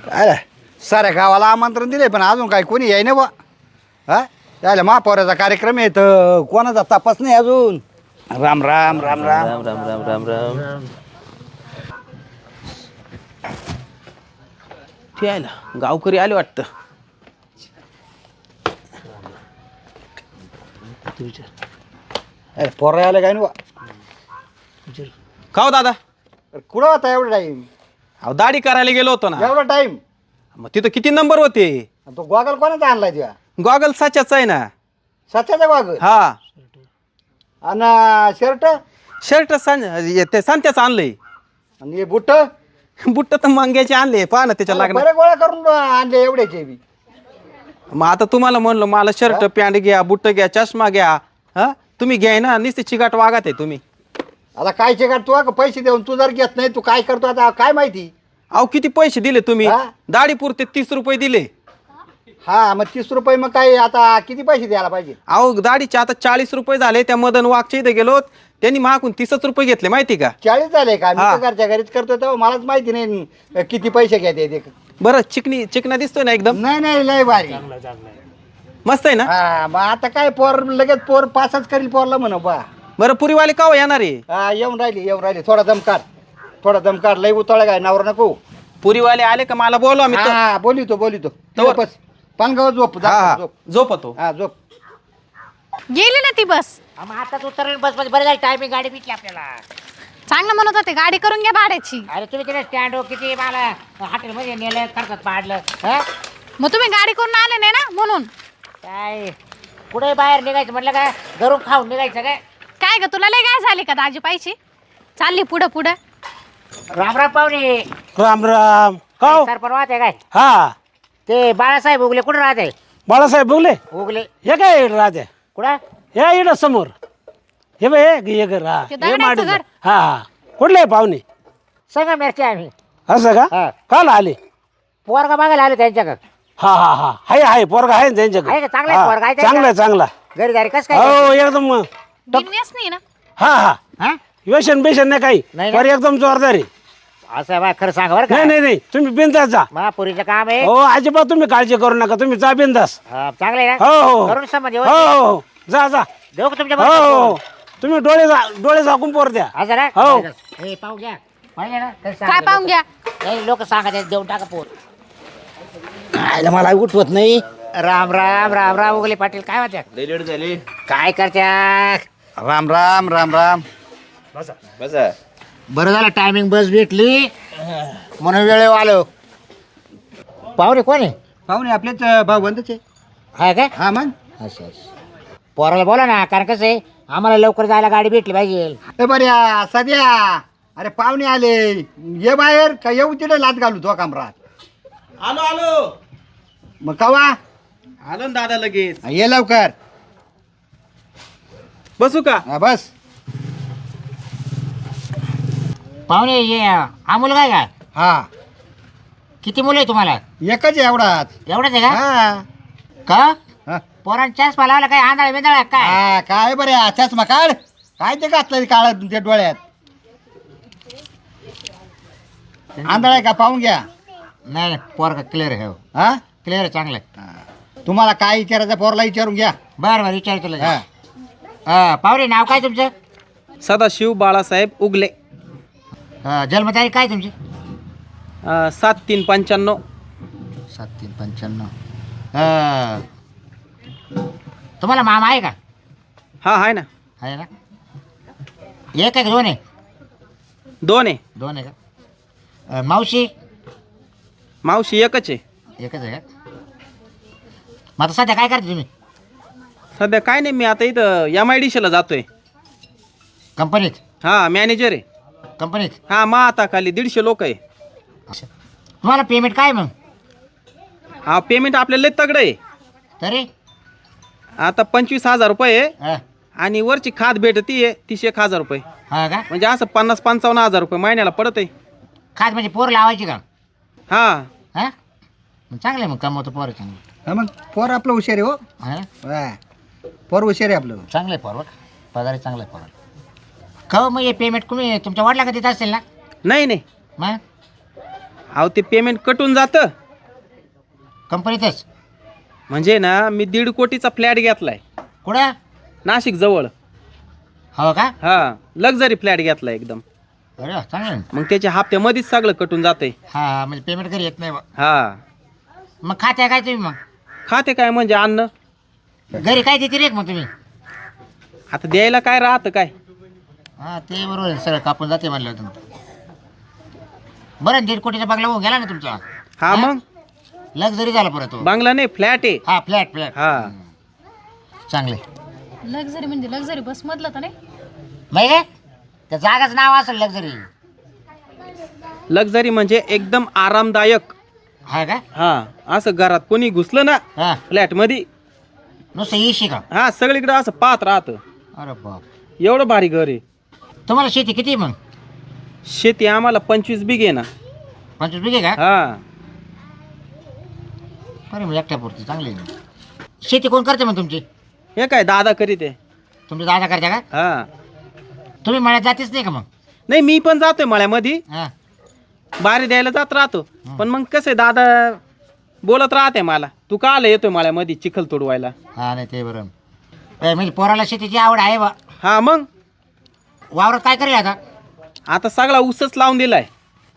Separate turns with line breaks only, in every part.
अरे साऱ्या गावाला आमंत्रण दिले पण अजून काय कोणी याय ना बा. हा त्याला महापौराचा कार्यक्रम आहे तर कोणाचा तपास नाही अजून. राम राम राम राम
राम राम राम राम राम. ते आला गावकरी आले वाटतं.
अरे पोरं आलं काय ना बा.
का हो दादा?
अरे कुठं होता एवढा टाईम?
अहो दाढी करायला गेलो होतो ना.
एवढा टाईम?
मग तिथं किती नंबर होते?
तो गॉगल कोणाचा आणलाय तुझ्या?
गॉगल साच्याचा आहे ना.
सच्याचा गॉगल
हा.
आणि शर्ट
शर्ट ते सांत्याचं आणलंय.
आणि हे बुट्ट
बुट्ट तर मंग्याचे आणले. पहा ना त्याच्या लागणार.
बरे गोळा करून आणले एवढ्याचे बी.
मग आता तुम्हाला म्हणलं मला शर्ट पॅन्ट घ्या, बुट्ट घ्या, चष्मा घ्या. हा तुम्ही घ्याय ना नुसते चिकाट वागत आहे तुम्ही.
आता काय चिकाट तू का पैसे देऊन तू जर घेत नाही तू काय करतो आता काय माहिती.
अहो किती पैसे दिले तुम्ही?
हा?
दाढी पुरते 30 रुपये दिले.
हा मग 30 रुपये मग काय आता किती पैसे द्यायला पाहिजे?
अहो दाढीचे आता 40 रुपये झाले. त्या मदन वाघच्या इथे गेलो त्यांनी मागून 30 रुपये घेतले माहिती का?
40 झाले का? मी
हा.
तर घरच्या घरीच करतोय तेव्हा मलाच माहिती नाही किती पैसे घेते ते.
बरं चिकना दिसतोय ना एकदम
नाही नाही लय भारी.
मस्त आहे ना.
हा मग आता काय पोर लगेच पोर पासच करील पोरला म्हणू बा.
बरं पुरीवाले का येणार आहे?
हा येऊन राहिली थोडा दम काढ लय उतळ काय नवरा नको.
पुरीवाले आले का मला बोलवा मी.
हा बोलितो
तवर.
बस पानगाव झोप झोप.
झोपतो.
हा झोप.
गेली ना ती बस.
मग आता तू तर बस मध्ये बरं झालं टायमिंग गाडी भेटली आपल्याला.
चांगलं म्हणत होते गाडी करून घ्या भाड्याची.
अरे तुम्ही तिथे स्टँड किती मला हॉटेलमध्ये नेलं खर्चात पाडलं. हा
मग तुम्ही गाडी करून आले नाही ना म्हणून.
काय कुठे बाहेर निघायचं म्हटलं का घरून खाऊन निघायचं काय?
काय ग तुला लय काय झाली का दाजी पाहिजे? चालली पुढं
राम राम पाहुणे.
राम राम. का
सरपण वाहते काय?
हा
ते बाळासाहेब उगले कुठं राहते?
बाळासाहेब बोगले
उगले
हे काय राहते
कुठं?
हे इकडं समोर हे बघ हे घर हा
ते
हे
दगडाचं
माडीचं.
घर.
हा हा कुठले पाहुणे?
संगमेरचे आम्ही.
असं का?
हा.
काल आले?
पोरगा बघायला आलो त्यांच्याकडे.
हा हा हा आहे पोरगा आहे ना
आहे का?
त्यांच्याकडे.
चांगला आहे पोरगा, आहे
चांगला
त्यांचा?
चांगला
घरी दारी कसं काय?
हो एकदम
बिनव्यस नाही ना.
हा हा
हा
व्यसन बेसन नाही काही
नाही ना?
पर एकदम जोरदार आहे.
असं बा खरं सांगा बरं का.
नाही तुम्ही बिंदास जा.
महापुरीचं काम आहे.
हो अजिबात तुम्ही काळजी करू नका तुम्ही जा बिंदास.
हा, चांगलं आहे ना?
हो हो
करून समज
हो हो जा
देऊ का तुमच्या
हो
बरोबर?
हो तुम्ही डोळे झाकून पोर द्या.
असं ना?
हो.
हे पाहू घ्या. पाहिजे ना?
काय पाहून घ्या.
लोक सांगत आहेत, देऊन टाका पोर.
आयला मला उठवत नाही.
राम राम राम राम उगले पाटील काय म्हणत्या?
लेट झाली.
काय करत्या?
राम राम राम राम.
बसा.
बरं झालं टायमिंग बस भेटली म्हणून वेळेवर आलो. पाहुणे कोण आहे?
पाहुणे आपलेच भाऊ बंधूच आहे.
हाय काय?
हा मग
असं पोराला बोला ना, कारण कसं आहे आम्हाला लवकर जायला गाडी भेटली पाहिजे.
ए बऱ्या सध्या अरे पाहुणे आले ये बाहेर का येऊ तिथे लात घालू तो कमरात.
आलो
मग कवा
आलो ना दादा लगेच.
ये लवकर.
बसू का?
हा बस.
पाहुणे ये हा मुलगा आहे का?
हा
किती मुलं आहे तुम्हाला?
एकच आहे एवढाच.
एवढंच आहे का?
हा
का
हा.
पोरांच्या चष्मा लावला काय आंधळा बिंदळा काय?
हा, काय बऱ्या चष्मा काढ. काय ते घातलं काळ ते डोळ्यात आंधळा का पाहून घ्या.
नाही पोरगा क्लिअर आहे.
हा
क्लिअर चांगलं आहे.
तुम्हाला काय विचारायचं पोरला विचारून घ्या.
बरं बरं विचार तुला.
हा.
हा पाहुणे नाव काय तुमचं?
सदाशिव बाळासाहेब उगले.
जन्मतारीख काय तुमची?
7395.
7395. तुम्हाला मामा आहे का?
हा आहे ना.
आहे ना? एक आहे का दोन आहे?
2 आहे.
दोन आहे का? मावशी?
मावशी एकच आहे.
एकच आहे का? मग आता सध्या काय करते तुम्ही?
सध्या काय नाही मी आता इथं MIDC ला जातोय.
कंपनीत?
हा मॅनेजर आहे.
कंपनीत?
हा आता खाली 150 लोक आहे.
तुम्हाला पेमेंट काय मग?
हा पेमेंट आपल्याला लय तगडं आहे.
तरी
आता 25,000 रुपये आहे.
हा
आणि वरची खात भेटती आहे 30,000 रुपये.
हा का?
म्हणजे असं 50-55,000 रुपये महिन्याला पडत आहे.
खात म्हणजे पोर लावायची का?
हा
हा मग चांगलं आहे, मग कमवतो पोर चांगलं.
हा मग पोर आपलं हुशार आहे हो.
हा
हा. पोर हुशार आहे आपलं.
चांगलं आहे पोर. पगार चांगला आहे पोर. का मग हे पेमेंट तुम्ही तुमच्या वडिला का देत असेल ना?
नाही
मग
अहो ते पेमेंट कटून जातं.
कंपनीतच?
म्हणजे ना मी 1.5 कोटीचा फ्लॅट घेतलाय
कुठं?
नाशिक जवळ.
हो का?
हा लक्झरी फ्लॅट घेतलाय एकदम.
अरे वा, चांगलं आहे.
मग त्याच्या हप्त्यामध्येच सगळं कटून जातंय.
हा म्हणजे पेमेंट घरी येत नाही बा.
हा
मग खात्या काय तुम्ही? मग
खाते काय म्हणजे अन्न
घरी काय देते रे मग तुम्ही?
आता द्यायला काय राहतं काय.
हा ते बरोबर आहे, सगळं कापून जाते म्हणलं तुम्ही. बरं 1.5 कोटीचा बंगला होऊन गेला ना तुमचा.
हा मग
लक्झरी झाला परत तो.
बांगला नाही फ्लॅट आहे.
हा फ्लॅट
हा
चांगले.
लक्झरी म्हणजे लक्झरी बस मधलं तर नाही?
नाही काय त्या जागाच नाव असेल लक्झरी.
लक्झरी म्हणजे एकदम आरामदायक.
हा का?
हा असं घरात कोणी घुसलं ना
हा
फ्लॅट मध्ये
नुसतं येशी का?
हा सगळीकडे असं पाहत राहतं.
अरे बाप.
एवढं भारी घर आहे.
तुम्हाला शेती किती आहे मग?
शेती आम्हाला 25 बिघे ना.
25 बिघे का?
हा
अरे मग एकट्या पुरती चांगली आहे. शेती कोण करते मग तुमची?
हे काय दादा करीत आहे.
तुमचे दादा करता का?
हा
तुम्ही मळ्यात जातेच नाही का मग?
नाही मी पण जातोय मळ्यामध्ये
हा
बारी द्यायला जात राहतो. पण मग कसं आहे दादा बोलत राहते मला तू का आला येतोय मळ्यामध्ये चिखल तोडवायला.
हा नाही ते बरोबर. म्हणजे पोराला शेतीची आवड आहे बा.
हा मग
वावरात काय करेल आता?
आता सगळा ऊसच लावून दिलाय.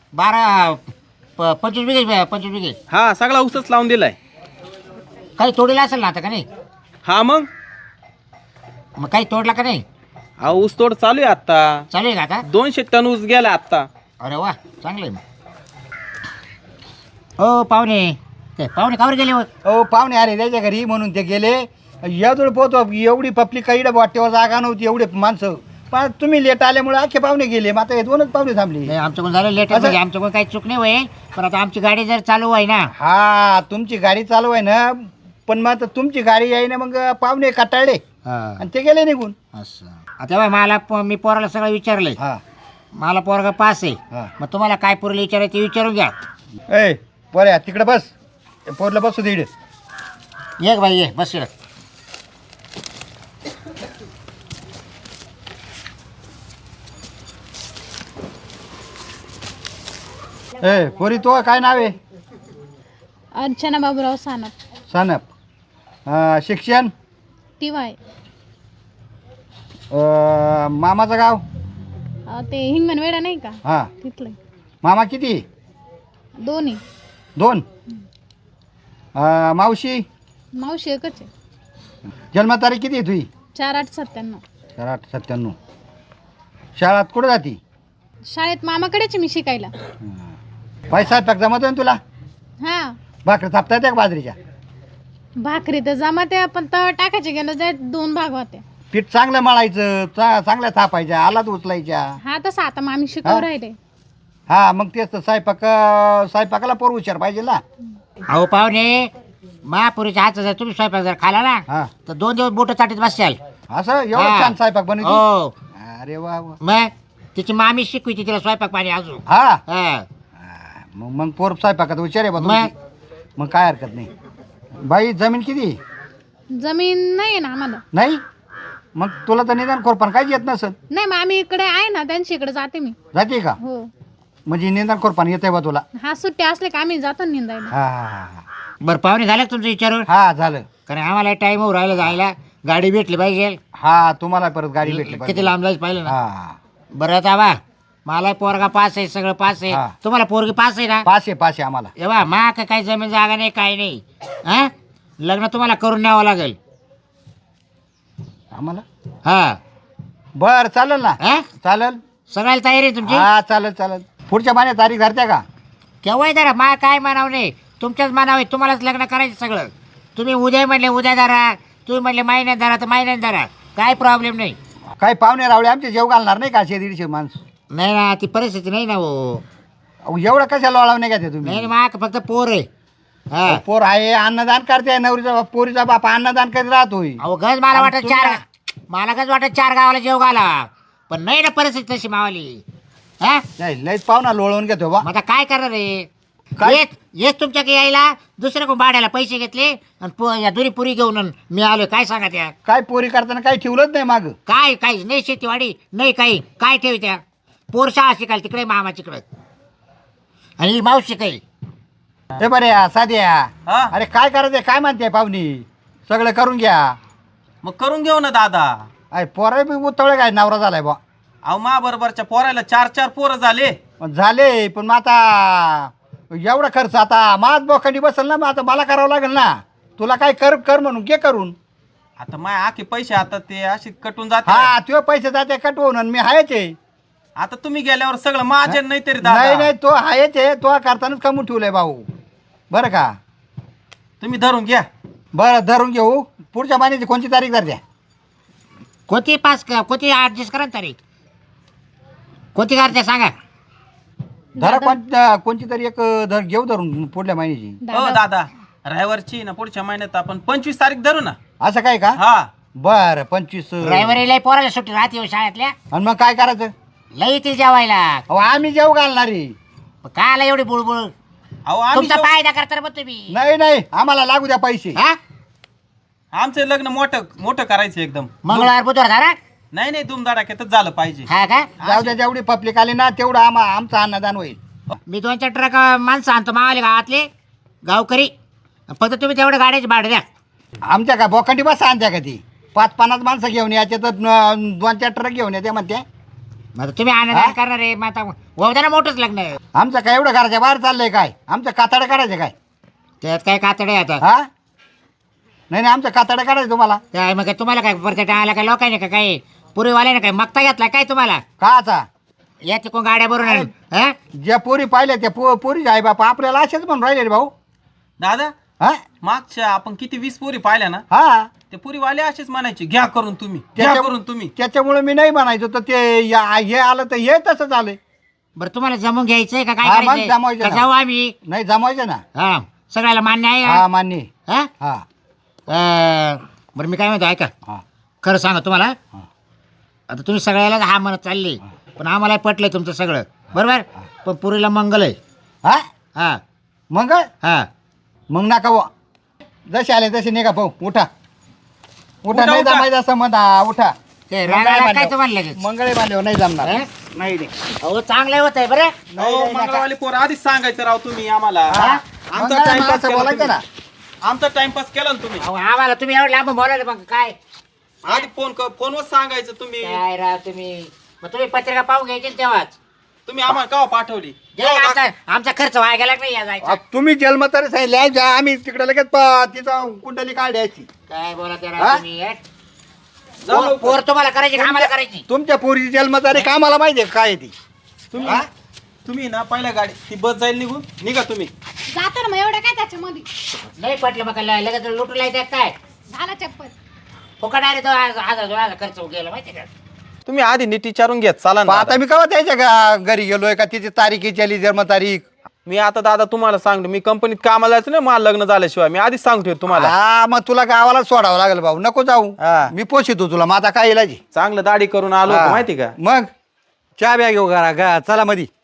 25 बिघे 25 बिघे.
हा सगळा ऊसच लावून दिलाय.
काही तोडीला असेल ना आता का नाही?
हा मग
मग काही तोडला का नाही?
हा ऊस तोड चालू आहे आता.
चालू आहे का आता?
200 टन ऊस गेला आता.
अरे वा चांगलं आहे मग. हो पाहुणे ते पाहुणे कावर गेले हो?
हो पाहुणे आले त्याच्या घरी म्हणून ते गेले. यादूळ पोहतो एवढी पब्लिक इकडं वाटेवर जागा नव्हती एवढे माणसं. पण तुम्ही लेट आल्यामुळे अख्खे पाहुणे गेले. मग आता हे 2च पाहुणे थांबले.
नाही आमच्याकडून झालं लेट.
असं?
म्हणजे आमच्याकडून काही चूक नाही होईल. पण आता आमची गाडी जर चालू आहे ना.
हा तुमची गाडी चालू आहे ना. पण मग आता तुमची गाडी आहे ना मग पाहुणे कटाळले आणि ते गेले निघून.
असं आता बघ, मला मी पोराला सगळं विचारलंय.
हा
मला पोरगा पास आहे.
हा.
मग तुम्हाला काय पोरला विचारायचं ते विचारून घ्या.
ए पोऱ्या तिकडे बस. पोरला बसू दे इकडे.
ये बाई ये बस इकडं.
ए पोरी तो काय नाव आहे?
अर्चना बाबूराव सानप.
सनप. शिक्षण?
TY.
मामाचं गाव?
ते हिंगण वेडा नाही का
हा
तिथलं.
मामा किती?
दोन्ही.
2. मावशी?
मावशी एकच आहे.
जन्मतारीख किती आहे तुझी?
4897.
9897. शाळात कुठं जाती?
शाळेत मामाकडेच आहे मी शिकायला.
पैसा टाक जमत ना तुला?
हा
भाकरी थापता येते का बाजरीच्या?
भाकरी तर जमाते पण तवा टाकायचे गेलं जाय 2 भाग होते.
पीठ चांगलं मळायचं चांगल्या थापायच्या आलात उचलायच्या.
हा तसं आता मामी शिकवू राहिले.
हा मग तेच तर स्वयंपाकाला पोर हुशार पाहिजे ना.
अहो पाहुणे महापुरीच्या हातचा जर तुम्ही स्वयंपाक जर खाला ना
हा
तर 2 दिवस बोट चाटीत बसशाल.
असं एवढं
हा.
छान स्वयंपाक बनवते?
हो
अरे वा वा.
मग तिची मामी शिकविती तिला स्वयंपाक पाणी अजून.
हा
हा.
मग पोर स्वयंपाकात हुशार आहे बा
मग?
तुमची. मग काय हरकत नाही. बाई जमीन किती?
जमीन नाही आहे ना आम्हाला.
नाही मग तुला तर निदान खोरपान काहीच येत नसत.
नाही मामी इकडे आहे ना त्यांच्या इकडे जाते मी.
जाते का?
हो
म्हणजे निदान खोरपान येते बा तुला?
हा सुट्टी असले का आम्ही जातो निंदायला.
हा हा हा
बरं पाहुणे झालं का तुमचं विचारून?
हा झालं.
कारण आम्हाला टाइम होऊ राहिला जायला. गाडी भेटली पाहिजे.
हा तुम्हाला परत गाडी भेटली
किती
पाहिजे.
लांब जायचं पाहिलं ना.
हा
बरं आता बा मला पोरगा पास आहे सगळं पास आहे.
हा.
तुम्हाला पोरगी पास आहे ना?
पाच आहे आम्हाला.
ए बा मा का काही जमीन जागा नाही काही नाही. हा लग्न तुम्हाला करून न्यावं लागेल.
आम्हाला
हा
बर चालेल ना.
हा
चालेल.
सगळ्याला तयारी आहे तुमची?
हा चालेल. पुढच्या महिन्यात तारीख धरत्या का?
केव्हा आहे मा काय म्हणावं नाही. तुमच्याच म्हणावे तुम्हालाच लग्न करायचं सगळं. तुम्ही उद्या म्हणले उद्या धरा. तुम्ही म्हणले महिन्यात धरा तर महिन्यात धरा. काय प्रॉब्लेम नाही.
काही पाहुणे रावळे आमचे जेव घालणार नाही का? 100-150 माणसं.
नाही ना ती परिस्थिती नाही ना हो.
अहो, एवढं कशाला वळाव नाही का ते
नाही
तुम्ही?
मा फक्त पोर आहे. हा
पोर आहे अन्नदान करते. नवरीचा पोरीचा बाप अन्नदान करीत राहतोय.
अहो गज मला वाटत मला गज वाटत 4 गावाला जेव घाला. पण नाही ना परिस्थिती तशी मावाली. हा
नाही लयच पाहुणा लोळवून घेतो बा.
मग आता काय करणार रे?
काय?
येस तुमच्याकडे यायला दुसऱ्या कोण भाड्याला पैसे घेतले आणि या दुरी पुरी घेऊन मी आलोय. काय सांगा त्या?
काय पोरी करताना काही ठेवलंच नाही माग.
काय काही नाही शेतीवाडी नाही काही काय ठेवी त्या? पोर शाळा शिकायला तिकडे मामा तिकडे. आणि ही मावशी काही
हे बरे साध्या
हा?
अरे काय करायचंय काय म्हणते पाहुणी सगळं करून घ्या.
मग करून घेऊ ना दादा.
अरे पोरा बी उतवळे काय नवरा झालाय बा.
अहो मा बरोबरच्या पोरायला 4 पोरं झाले.
झाले पण मग आता एवढा खर्च आता माझ बोखंडी बसेल ना. मग आता मला करावं लागेल ना. तुला काय कर कर म्हणून घे करून.
आता माय आखे पैसे आता ते असे कटून जाते.
हा तुझे पैसे जाते कटवून आणि मी हायच आहे.
आता तुम्ही गेल्यावर सगळं माझे नाही तरी
नाही
दादा.
नाही तो हायच आहे. तो करतानाच कमवून ठेवलंय भाऊ बरं का.
तुम्ही धरून घ्या.
बरं धरून घेऊ. पुढच्या महिन्याची कोणती तारीख धर द्या.
कोणती कोणती ॲडजस्ट करा ना तारीख कोणती करते सांगा.
धरा कोणती तरी एक धर घेऊ धरून पुढल्या महिन्याची.
हो दादा रविवारची ना पुढच्या महिन्यात आपण 25 तारीख धरू ना.
असं काय का.
हा
बरं 25.
ड्रायव्हर लय पोराला सुट्टी राहते हो शाळेतल्या
आणि मग काय करायचं.
लय येतील जेवायला.
अहो आम्ही जेव घालणारी.
काला एवढी बुळबुळ
अहो आम्ही
तुमचा फायदा करता मग तुम्ही
नाही नाही आम्हाला लागू द्या पैसे.
हा
आमचं लग्न मोठं मोठं करायचं एकदम.
मंगळवार बुधवार धरा.
नाही नाही धुमधडाक्यातच झालं पाहिजे.
हा का
जाऊ द्या जेवढी पब्लिक आली ना तेवढं आमचं अन्नदान होईल.
मी 2-4 ट्रक माणसं आणतो मावाले गावातले गावकरी फक्त तुम्ही तेवढं गाड्याची भाडं द्या.
आमच्या का बोखंडी बस आणत्या का ती 5-50 माणसं घेऊन याचे तर 2-4 ट्रक घेऊन येते म्हणते.
मग तुम्ही आनंद करणार आहे मग आता होऊ ना मोठंच लग्न
आमचं काय एवढं घराच्या बाहेर चाललंय काय. आमचं कातडं काढायचं काय.
त्यात काय कातडे आता
हा नाही नाही आमचं कातडं काढायचं तुम्हाला.
काय मग तुम्हाला काय परत आला काय लोकांनी का काय पुरीवाल्याने काय मागता घेतला काय तुम्हाला
काचा
या कोण गाड्या भरून हा
ज्या पोरी पाहिल्या त्या पोरी आहे बापा आपल्याला असेच म्हणून राहिले रे भाऊ.
दादा
हा
मागच्या आपण किती 20 पोरी पाहिल्या ना.
हा
ते पुरीवाले असेच म्हणायचे घ्या करून तुम्ही घ्या करून तुम्ही.
त्याच्यामुळे मी नाही म्हणायचो तर ते हे आलं तर हे तसं झालंय.
बरं तुम्हाला जमून घ्यायचंय का काय
हा, मग
करायचंय?
जमवायचं
का
ना.
जाऊ आम्ही
नाही जमायचं ना.
हा सगळ्याला मान्य आहे
हा मान्य.
हा
हा
बरं मी काय म्हणतो ऐका
हा
खरं सांगा तुम्हाला
हा.
आता तुम्ही सगळ्याला हा म्हणत चालले पण आम्हाला पटलंय तुमचं सगळं बरोबर पण पुरीला मंगल आहे
हा
हा
मग
हा
मग नका बुवा. जसे आले तसे निघा भाऊ. उठा उठा नाही
उठा.
जमायचं असं म्हणा. उठा
ते रागाला काय तुम्हाला लगेच
मंगळे बांधल्यावर नाही जमणार.
हा?
नाही नाही.
अहो चांगलं होत आहे बरं
हो मंगळवारी पोर आधीच सांगायचं राव तुम्ही आम्हाला.
हा?
आमचा
मंगळे
टाइमपास
असं
केला
बोलायचं
तुम्ही.
ना.
आमचा टाइमपास केला ना तुम्ही.
अहो आम्हाला तुम्ही एवढं लांब बोलायला मग काय
आधी फोनवर सांगायचं तुम्ही.
काय राव तुम्ही मग तुम्ही पत्रिका पाहून घ्यायची ना तेव्हाच
तुम्ही आम्हाला केव्हा पाठवली.
जे आमचा खर्च व्हायला गेला नाही या जायचा
तुम्ही जन्म तरी सांगितलं जा आम्ही तिकडे लगेच तिथं कुंडली काढायची.
काय बोला ते
हा?
राव तुम्ही हे?
जाऊ लवकर.
पोर तुम्हाला करायची का आम्हाला करायची
तुमच्या पोरीची जन्मतारीख आम्हाला माहिती आहे काय आहे ती.
तुम्ही
हा?
तुम्ही ना पहिल्या गाडी ती बस जाईल निघून निघा तुम्ही.
जातो ना मग एवढं काय त्याच्यामध्ये.
नाही पटलं मग लगेच लुटून लायचं काय
झाला चप्पल.
फुकट आहे तो 1000 खर्च गेला माहिती का
तुम्ही आधी नीट विचारून घ्या चला
पण
ना
आता
दादा.
मी केव्हा त्याच्या घरी गेलोय का तिची तारीख आली जन्मतारीख.
मी आता दादा तुम्हाला सांगतो मी कंपनीत कामाला जायचं ना मला लग्न झाल्याशिवाय मी आधीच सांगतो तुम्हाला.
हा मग तुला गावाला सोडावं लागेल भाऊ. नको जाऊ.
हा.
मी पोषितो तुला. मग आता काय इलाज आहे?
चांगलं दाढी करून आलो होतो
हा.
माहिती का.
मग चहा ब्या घेऊ घरा चला मधी.